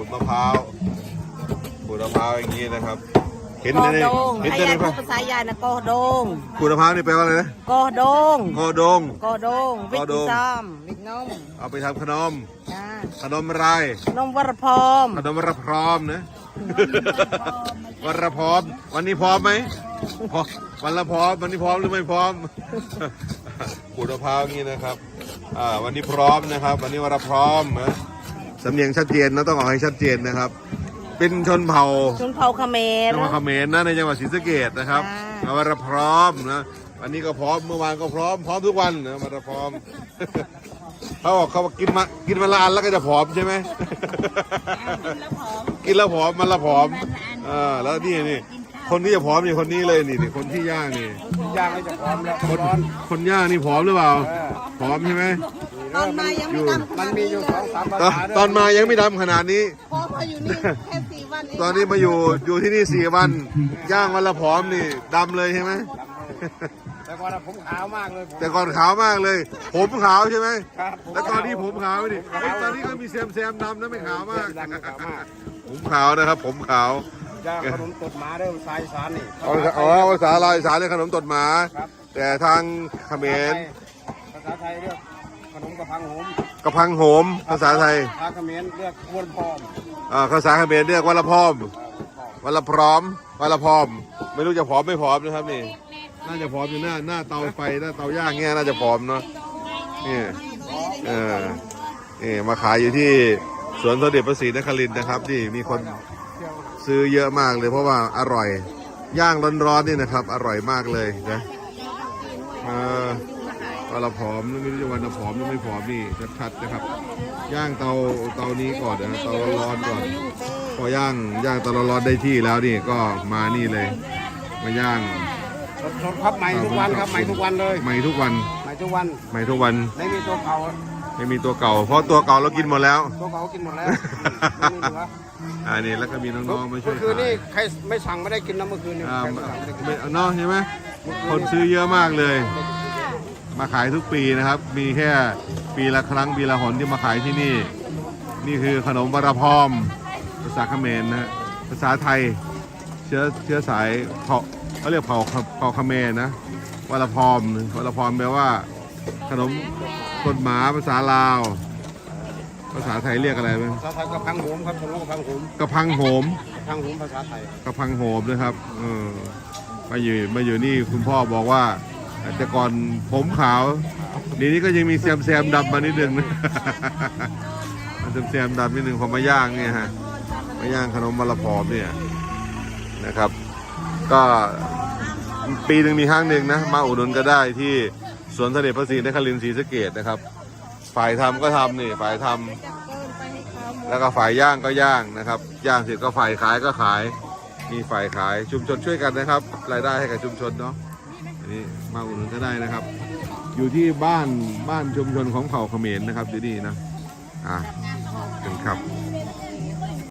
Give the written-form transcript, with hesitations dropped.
ดมะพร้าวอย่างนี้นะครับเห็นกอในดงเห็นให้ในยายภาพูดภาษายายนะกอดงขูดมะพร้าวนี่แปลว่าอะไรนะกอดงกอดงกอดงวิกซ้ำวิกนมเอาไปทำขนมจ้าขนมอะไรนมวรพรมขนมวรพร้อมนะวรพร้อมวันนี้พร้อมไหมพร้อมวันละพร้อมวันนี้พร้อมหรือไม่พร้อมขูดมะพร้าวอย่างนี้นะครับวันนี้พร้อมนะครับ วันนี้วันละพร้อมนะสำเนียงชัดเจนนะต้องออกให้ชัดเจนนะครับ เป็นชนเผ่าชนเผ่าเขมรจังหวัดเขมรนะในจังหวัดศรีสะเกษนะครับอ่าวันละพร้อมนะวันนี้ก็พร้อมเมื่อวานก็พร้อมทุกวันนะวันละพร้อม เขาบอกเขากินมาละอันแล้วก็จะผอมใช่ไหม กินแล้วผอมมันละผอมแล้วนี่คนที่จะผอมนี่คนนี้เลยนี่คนที่ย่างนี่ย่างให้จะพร้อมแล้วคนย่างนี่ผอมหรือเปล่าผอมใช่ไหมตอนมายังไม่ดำขมันนาดมีนี้อยู่เลสองยสามภาตอนษาตอนมายังไม่ดำขนาดนี้พอมาอยู่นี่แค่4 วันเองตอนนี้มาอยู่ที่นี่4 วันย่างวันละผอมนี่ดำเลยใช่ไหมแต่ก่อนผมขาวมากเลยแต่ก่อนขาวมากเลย ผมขาวใช่ไหมครับแล้วตอนนี้ผมขาวดิตอนนี้ก็มีแซมดำนะไม่ขาวมากดำขาวมากผมขาวนะครับ ผมขาวย่างขนมตดหมาเด้อสายสารนี่ภาษาลาวอีสานเรียกขนมตดหมาครับแต่ทางเขมรภาษาไทยเรียกขนมกระพังโหมกระพังโหม ภาษาไทยทางเขมรเรียกอ้วนพร้อมภาษาเขมรเรียกวันละพร้อมวันละพร้อมวันละพร้อม ไม่รู้จะผอมไม่ผอมนะครับนี่ น่าจะผอมอยู่หน้าเตาไฟหน้าเตาย่างเงี้ยน่าจะผอมเนาะนี่นี่มาขายอยู่ที่สวนสมเด็จพระศรีนครินทร์นะครับที่มีคนซื้อเยอะมากเลยเพราะว่าอร่อยย่างร้อนๆนี่นะครับ อร่อยมากเลยนะวันละผอมไม่รู้จะวันละผอมหรือไม่ผอมนี่ชัดๆนะครับ ย่างเตานี้ก่อนนะเตาร้อนๆก่อนพอย่างเตาร้อนๆได้ที่แล้วนี่ก็มานี่เลยมาย่างสดๆครับใหม่ทุกวันครับใหม่ทุกวันเลยใหม่ทุกวันใหม่ทุกวันใหม่ทุกวันไม่มีตัวเก่าไม่มีตัวเก่า เพราะตัวเก่าเรากินหมดแล้วตัวเก่ากินหมดแล้วไม่มีเหลือนี่แล้วก็มีน้องๆมาช่วยเมื่อคืนขายนี่ใครไม่สั่งไม่ได้กินนะเมื่อคืนนี่อ่าใครไม่สั่งไม่ได้กินไม่เนาะใช่ไหมคนซื้อเยอะมากเลย มาขายทุกปีนะครับ มีแค่ปีละครั้งปีละหนที่มาขายที่นี่ นี่คือขนมบารพอมภาษาเขมรนะภาษาไทยเชื้อสายเผ่าเขาเรียกเผ่าเขมรนะวารพอมแปลว่าขนมต้นหมาภาษาลาว ภาษาไทยเรียกอะไรบ้างภาษาไทยกระพังโหมครับผมกระพังโหมกระพังโหมกระพังโหมภาษาไทยกระพังโหมนะครับมาอยู่นี่คุณพ่อบอกว่าแต่ก่อนผมขาวเดี๋ยวนี้ก็ยังมีแซมดำมานิดนึงนะ แซมดำนิดนึงพอมาย่างเนี่ยฮะมาย่างขนมมะละพอมเนี่ยนะครับ ก็ปีหนึ่งมีครั้งหนึ่งนะมาอุดหนุนก็ได้ที่สวนสมเด็จพระศรีนครินทร์ศรีสะเกษนะครับ ฝ่ายทำก็ทำนี่ฝ่ายทำแล้วก็ฝ่ายย่างก็ย่างนะครับ ย่างเสร็จก็ฝ่ายขายก็ขาย มีฝ่ายขายชุมชนช่วยกันนะครับ รายได้ให้กับชุมชนเนาะอันนี้มาอุดหนุนก็ได้นะครับ อยู่ที่บ้านชุมชนของเผ่าเขมรนะครับที่นี่นะถึงครับ